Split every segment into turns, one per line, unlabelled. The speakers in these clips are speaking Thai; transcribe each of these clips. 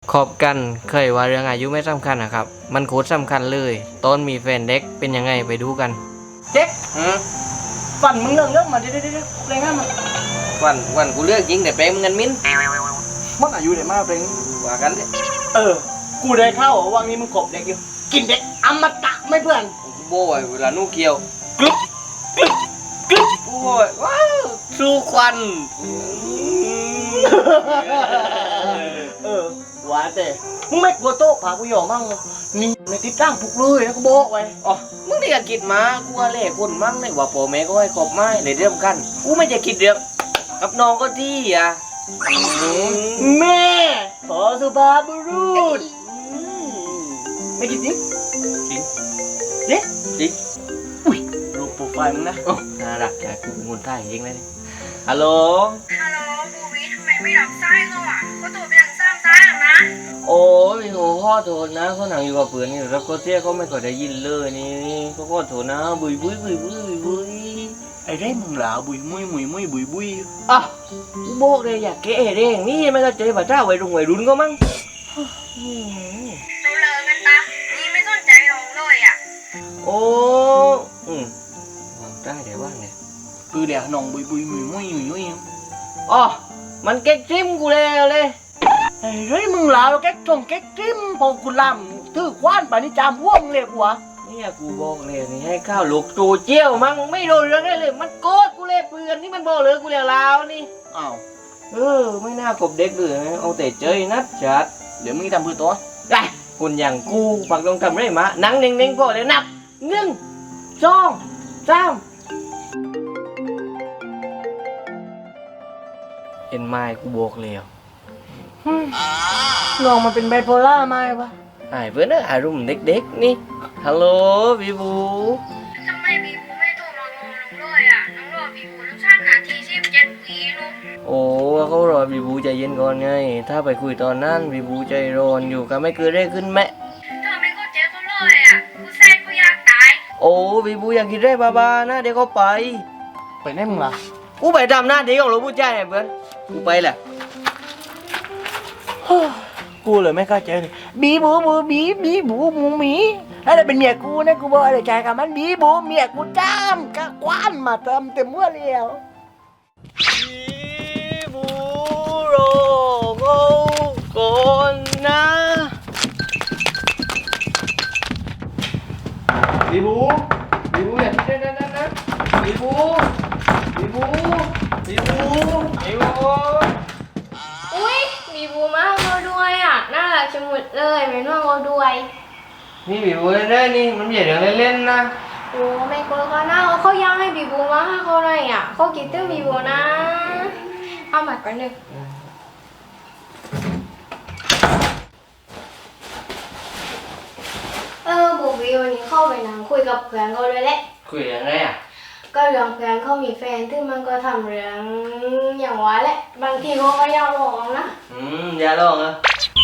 คบกันเคยว่าเรื่องอายุไม่สำคัญนะครับมันโคตรสำคัญเลยตอนมีแฟนเด็กเป็นยังไงไปดูกัน
เจ๊กฝันมึงเรื่องมาเดี๋ยวอะไรงั้นมัน
วันกูเลือกยิงแต่เปรมเงินมิ้น
มันอายุเด็กมากเป็น
ว่ากันดิ
กูได้เข้าวังนี้มึงกบเด็กอยู่กินเด็กอมตะไม่เพื่อน
กูโบยเวลานู่เกี่ยว
กรึ๊บ
โอ้ยว้าวสู้ควัน
หวานแต่มึงไม่กลัวโต๊ะผากูหยอกมั่งนี่ในติดตั้งปลุกเลยนะกูบอกไว้
อ๋อมึงได้คิดมากูว่าเล่คนมั่งเลยว่าพ่อแม่ก็ให้ขอบไม้ในเรื่องกันกูไม่จะคิดเรื่องกับน้องก็ที่
แม่ขอสุภาพบุรุษไม่คิดจริง
จริง
จริงอุ้ยรูปโปรไฟล์มึงนะ
น่ารักแกกูเป็นคนใต้จริงเลยฮัลโหล
บูวิทำไมไม่รับสายเขาอ่ะก็ตัวไปทางซ้ำซ้ายหรอนะ
โอ้ยโหข้อโทษนะเขาหนังอยู่กับเพื่อนนี่รับเขาเสียเขาไม่ค่อยได้ยินเลยนี่เขาขอโทษนะบุย
ไอ้เร่มึงหลาบุยมุยบุย
อ่ะกูบอกเลยอยากแก้เร่งนี่ไม่เข้าใจว่าเจ้าวัยรุ่นก็มั้ง
เราเลิกกันตานี่ไม่สนใจลงเลยอ่ะ
โอ้ได้เดี๋ยวว่างเนี่ย
คือเดี๋ยวน้องบุยมุย
อ๋อมันเก๊กจิ้มกูเลย
ไอ้เร่มึงหลาเก๊กจิ้มพอกูลำถือคว้านไปนี่จามพวกมึงเลยหัว
นี่กูบอกเลยนี่ให้ข้าวลูกตูเจี้ยวมั้งไม่โดนเรื่องได้เลยมันโกรธกูเลยเพื่อนนี่มันบอกเลยกูเลี้ยงลาวนี่
อ้าว
ไม่น่ากบเด็กเลยเอาแต่เจยนัดจัด
เดี๋ยวมึงทำเพื่อตัว
ได้คนอย่างกูฝักต้องทำไรมานั่งเน่งๆพอเลยนับ1 2 3เห็นไม้กูบอกแล้ว
น้องมันเป็นไบโพล่าไหมวะ
เพื่อนอารมณ์เด็กๆนี่ฮัลโหลบีบู
ทำไมบีบูไม่โทรมางอน้องเลยอ่ะน้องรอบีบูต้องชั่นนาที17 ปีลูก
โอ้เขารอบีบูใจเย็นก่อนไงถ้าไปคุยตอนนั้นบีบูใจร้อนอยู่ก็ไม่เกิดได้ขึ้นแม่
เธอไม่เข้าใจเขาเลยอ่ะกูแซ่กูอยากตาย
โอ้บีบูอยากกินได้บ้านะเดี๋ยวเขาไป
ไหนมึงล่ะ
กูไปทำหน้าที่ของเราผู้ชายเพื่อนกูไปแหละ
กูเลยไม่เข้าใจเลยบีบูหมูหมีอะไรเป็นเมียกูนะกูบอกอะไรใจกับมันบีบูเมียกูจ้ามกะคว้านมาเติมเต็มเมื่อเลี้ยว
บีบูโรโกก่อนนะบีบูอย่าคิดได้นะบีบู
อุ้ยบีบูมาเราด้วยอ่ะน่ารักชะมุดเลยเป็นว่าเราด้วย
นี่บีบูเล่นนี่มันอย่าเดี๋ยวเล่นนะ
โอ้ไม่กลัวเขาหน้าเขายังให้บีบูมาเขาหน่อยอ่ะเขาคิดถึงบีบูนะเอามาก่อนหนึ่งบูบีวันนี้เข้าไปนั่งคุยกับเพื่อนเขาเลยแหละ
คุยยังไงอ่ะ
ก็เรื่องเพื่อนเขามีแฟนซึ่งมันก็ทำเรื่องอย่างว่าแหละบางทีเขาก็อยากลองนะ
อยากลองอ่ะ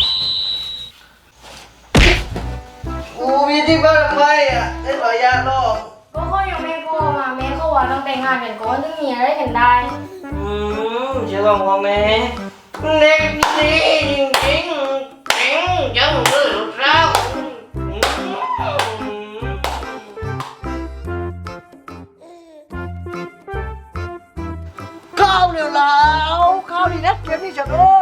มีที่บ้านทำไมอ่ะได้ขอยากลอง
ก็เขายังไม่พอมาแม่เขาว่าต้องแต่งงานกันก่อนถึงมีอะไรกันได้
จะลองพ่อแม่เด็กดีจริงจังเลยลูกสาว
ข้าวเร็วแล้วข้าวดีนะเกมนี้จะ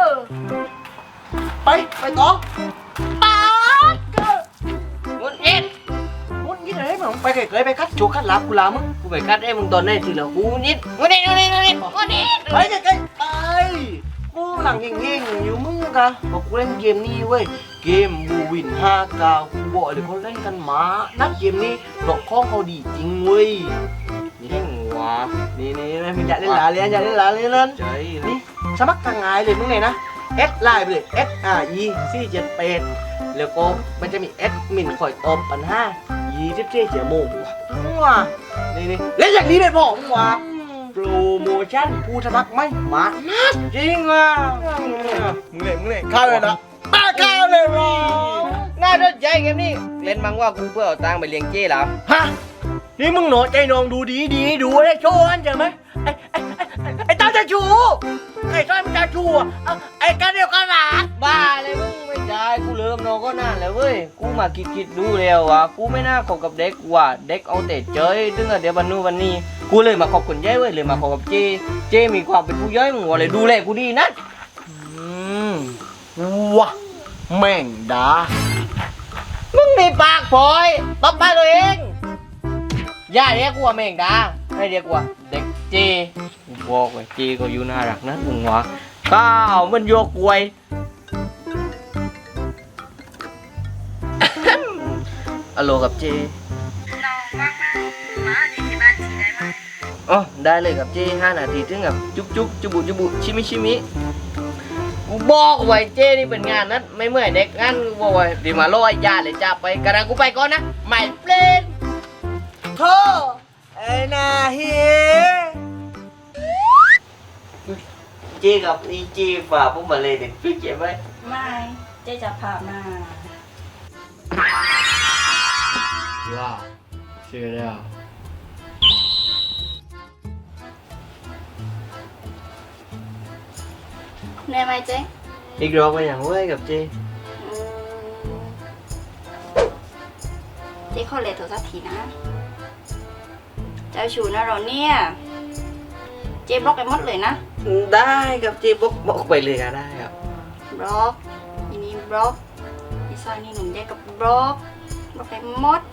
ไปต่อป๊า
มุนยิด
อะไรมึงไปเกยไปคัดจูคัดลาบกูลามึง
กูไปคัดไอ้มึงตอนไหนทีละกูมุนยิด
ไปเกยไปกูหลังเง่งอยู่มึงกะบอกกูเล่นเกมนี้เว้ยเกมบูวิน5 9กูบอกเลยเขาเล่นกันมานักเกมนี้ดอกข้องเขาดีจริงเว้ย
นี่ได้หัว
นี่มึงอยากเล่นหลาเรียนนั่นนี่สมัครทางไงเลยมึงไงนะเอสไลน์ไปเลย SRE478แล้วก็มันจะมีแอดมินคอยตอบปัญหา24 ชั่วโมงว้านี่เล่นอย่างนี้เลยพ่อว้าโปรโมชั่นผู้สมัครไม่มานัด
จริงอ่ะ
มึงเล่นข้าวเลยนะป้าข้าวเลยว่ะ
น่าสนใจเกมนี้เล่นมั้งว่ากูเพื่อเอาตังค์ไปเลี้ยงเจ้แล้ว
ฮะนี่มึงหนอใจน้องดูดีดูได้โชว์อันใช่ไหมไอ้ตาจะชูไอ้ต้อยมันจะชูไอ้กันเดียวกันหลา
บ้าเลยมึงไม่ใช่ก็นานแล้วเว้ยกูมาคิดดูแล้วว่ากูไม่น่าคบกับเด็กว่ะเด็กเอาแต่เจยถึงเดี๋ยววันนู้นวันนี้กูเลยมาคบคนใหญ่เว้ยเลยมาคบกับเจมีความเป็นผู้ใหญ่มึงว่าเลยดูแลกูดีนะ
วะแม่งดา
มึงมีปากพลอยตบปากตัวเองอย่าเรียกกูว่าแม่งดาให้เรียกกูว่าเด็กเจกูบอกไว้เจก็อยู่น่ารักนะมึงวะก้าวมันโยกกวย อโลกับเจ
น้องว่างไหมมาที่บ้านทีได้ไหม
อ๋อได้เลยครับเจ5 นาทีถึงกับจุ๊บจุบุชิมิกูบอกไว้เจนี่เป็นงานนั้นไม่เมื่อยเด็กงั้นกูบอกไว้ดีมาโลไอ้ยาเลยจ้าไปกระดังกูไปก่อนนะไม่เปลี่ยน
โธ่ไอ้นาเฮ
เจกับอีเจฝ่าพวกมาเลยเด็กพี่เจ็บไหม
ไม่เจ๊จะพามา
ว้าวเชื่อแล้ว
เหนื่อยไหมเจ๊
อีกรอบไปอย่างเว้ยกับเจ
เจ๊ขอเลทโทรศัพท์ทีนะเจ้าชูนะเราเนี่ยเจ๊บล็อกไปหมดเลยนะ
ได้กับเจบอกไปเลยก็ได้ครับ
บล็อกอีนี้บล็อกอีซอยนี่หนุ่มเจ๊กับบล็อกไปหมด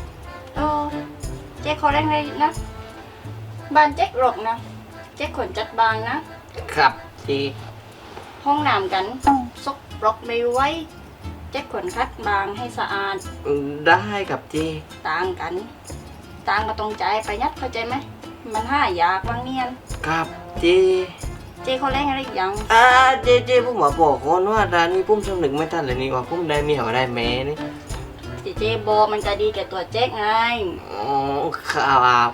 เจ๊ขอแรงเลยนะบ้านเจ๊หลอกนะเจ๊ขนจัดบางนะครับ
เจ
ห้องน้ำกันซกบล็อกไม่ไว้เจ๊ขนคัดบางให้สะอาด
ได้กับเจ
ต่างกัน ต่างก็ตรงใจประหยัดเข้าใจไหม มันห้ายากบางเนียน
ครับเจ
เจ๊เขาแรงอะไรอีกอยัง
เจผมมาบอกก่อนว่าร้านนี้ผมสำนึกไม่ทันเลยนี่ว่าผมได้เมียว่าได้แม่นี่
เจ๊โบมันจะดีแก่ตัวเจ๊ไง
อ๋อครับ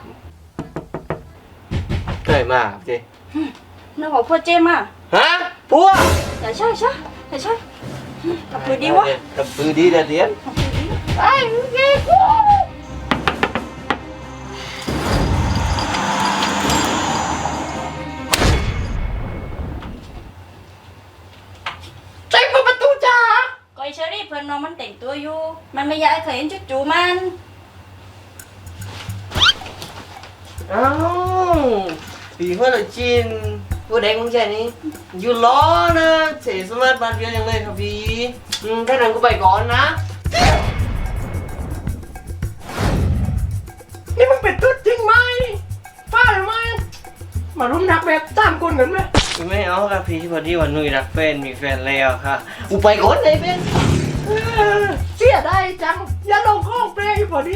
เคยมาครับเจ
นึกว่าพวกเจ๊มา
ฮะพัว
อย่าใช่กับมือดีวะ
กับปือดีเดี๋ยวเดี๋ยว
ไอ้เจ๊กู
ใจเปิดประตูจ้า
ก็ไอเชอรี่เพื่อนน้องมันแต่งตัวอยู่ มันไม่อยากให้เคยเห็นจุจูมัน
อ้าวปีเมื่อไรจีนผู้เด็กมึงใจนี่อยู่ล้อนะเสียสมาร์ทบ้านเดียวยังเลยครับพี่ถ้าหนังกูไปก่อนนะ
นี่มึงเป็นตุ๊ดจริงไหมฟ้าหรือไม่มารุมนักแบบ3 คนกันไหม
ไม่เอาครับพี่พอดีวันนุ่ยรักแฟนมีแฟนแล้วค่ะกูไปก่อนเลยเป็น
เสียได้จัง อย่าลงข้องเปรย์พอดี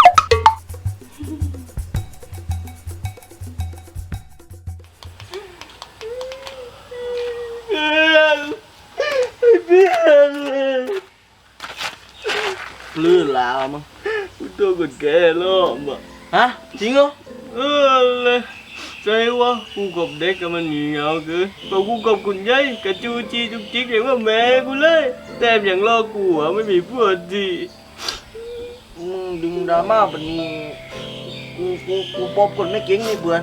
ลื่นแล้วมั้ง
ตัวกดแกล้อมอ่ะ
ฮะจริงเหรอ
เลยใจว่ากูกับเด็กกับมันเหนียวเกินพอกูกับคุณยายกระจูจีจุกจิกเรียกว่าแม่กูเลยแต่อย่างล่อกูอ่ะไม่มีพวดดี
มึงดึงดราม่าแบบนี้กูปอบคนไม่เก่งนี่เบื่อ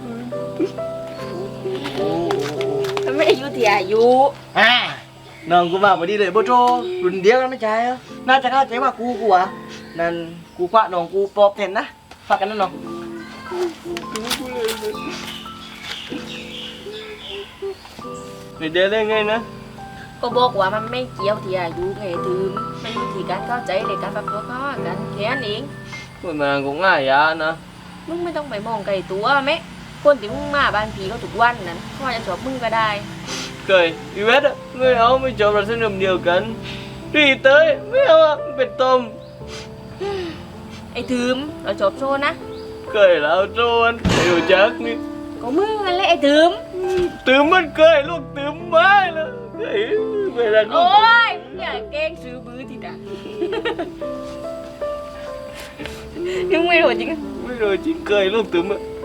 มันไม่ได้อยู่ที่อายุ
น้องกูมาพอดีเลยโบโจรุ่นเดียวกันไม่ใช่เหรอน่าจะเข้าใจว่ากูอ่ะนั่นกูคว้าน้องกูปอบแทนนะฝากกันนะน้อง
ไม่ได้เลยไงนะ
ก็บอกว่ามันไม่เกี่ยวที่อายุไงถือมันอยู่ที่การเข้าใจในการปรับตัวเข้าหากันแค่นั้นเอง
มันcũngง่ายยะนะ
มึงไม่ต้องไปมองไกลตัวแม่คนที่มึงมาบ้านผีเขาทุกวันนั้นเขาอาจจะชอบมึงก็ได้
เคยอีเวทอะไม่เอาไม่จบเราเส้นเดียวกันรีเต้ยไม่เอาอะเป็นต้ม
ไอ้ถืมเราชอบโซนะ
เคยแล้วโจนไอ้หัวจักนี่
ก็มึงนั่นแหละไอ้ถืม
ตื่มมันเคยลูกตื่มไม่แล้วเฮ้ยไม่ได้ลู
โอ้
ก
ยอย่าเก่งซื้อบื้อทีนะยังไม่รู้จริง
ไม่รู้จริงเคยลูกตื่มอะ